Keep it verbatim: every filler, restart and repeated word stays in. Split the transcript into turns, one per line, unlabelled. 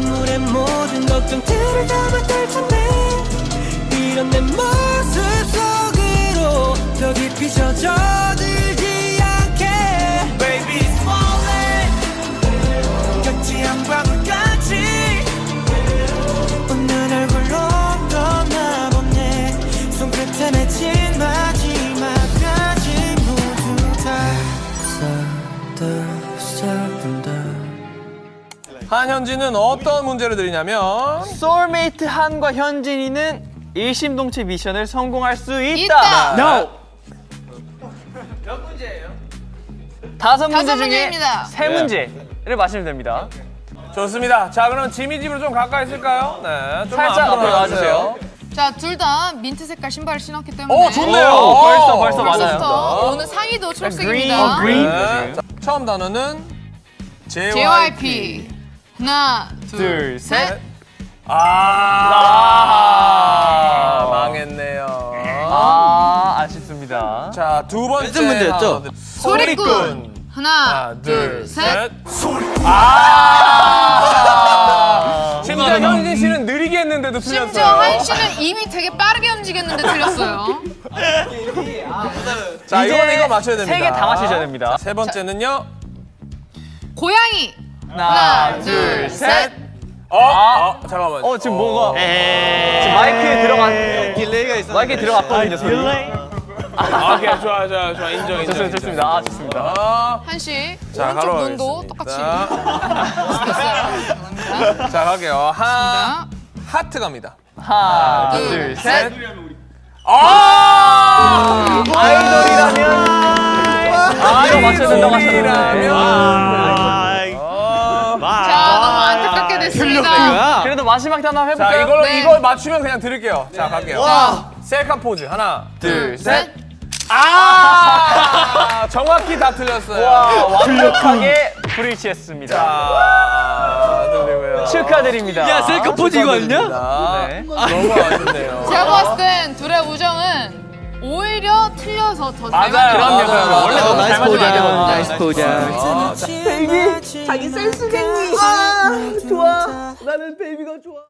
눈물에 모든 걱정들을 담아둘 텐데 이런 내 모습 속으로 더 깊이 젖어들지 않게 Baby it's falling 같이 한 방울같이 웃는 얼굴로 떠나보네 손끝에 맺힌 마지막까지 모두 다
한현진은 어떤 문제를 드리냐면
소울메이트 한과 현진이는 일심동체 미션을 성공할 수 있다.
있다.
No.
몇 문제예요?
다섯 문제
다섯
중에
문제입니다.
세 문제를 맞히면 됩니다.
좋습니다. 자, 그럼 지미 집으로 좀 가까이 있을까요? 네, 좀
살짝 앞으로 나와주세요.
자, 둘 다 민트 색깔 신발을 신었기 때문에.
오, 좋네요.
오, 벌써 벌써
벌써부터
맞아요.
오늘 상의도
그린,
초록색입니다.
어, 그린.
네. 자, 처음 단어는 제이와이피.
제이와이피. 하나, 둘,
둘, 셋.
셋.
아,
아,
망했네요.
아, 아쉽습니다.
자, 두 번째
무슨 문제였죠?
단어는
소리꾼. 하나,
하나,
둘, 셋.
아! 심지어 현진 씨는 느리게 했는데도 틀렸어요.
심지어 한 씨는 이미 되게 빠르게 움직였는데 틀렸어요.
자,
이제
이거는 이거 맞춰야 됩니다.
세 개 다 맞히셔야 됩니다.
자, 세 번째는요.
고양이.
하나,
둘, 셋.
어, 어, 잠깐만.
어, 지금 뭐가 지금 마이크에 들어간
딜레이가 있어.
마이크에 들어갔거든요. 소리.
아, 오케이, 좋아, 좋아, 좋아, 인정, 인정.
좋습니다, 좋습니다. 아, 좋습니다.
아,
한 씨.
자,
오른쪽
가로
눈도
가겠습니다.
똑같이 됐어요. 감사합니다.
자, 갈게요. 하,
자,
하트 갑니다.
하나,
둘,
둘,
셋.
셋.
아!
아이돌이라면 아, 이거 맞춰야 된다고 하셨는데.
자, 너무 안타깝게 됐습니다.
그래도 마지막 단어 한번
자,
해볼까요?
이걸로
네.
이걸 맞추면 그냥 드릴게요. 자, 갈게요.
자,
셀카 포즈 하나,
둘, 셋.
아! 정확히 다 틀렸어요.
와, 완벽하게 불일치했습니다.
자, 들리고요.
축하드립니다.
야, 셀카 포즈 이거 아니냐?
네.
너무 아쉽네요.
제가 봤을 땐 둘의 우정은 오히려 틀려서 더 잘
맞아요.
맞는
그럼요, 그럼요. 원래 너무 잘 맞으면 안 되거든요.
나이스 포장.
베이비 자기 센스 아 좋아 나는 베이비가 좋아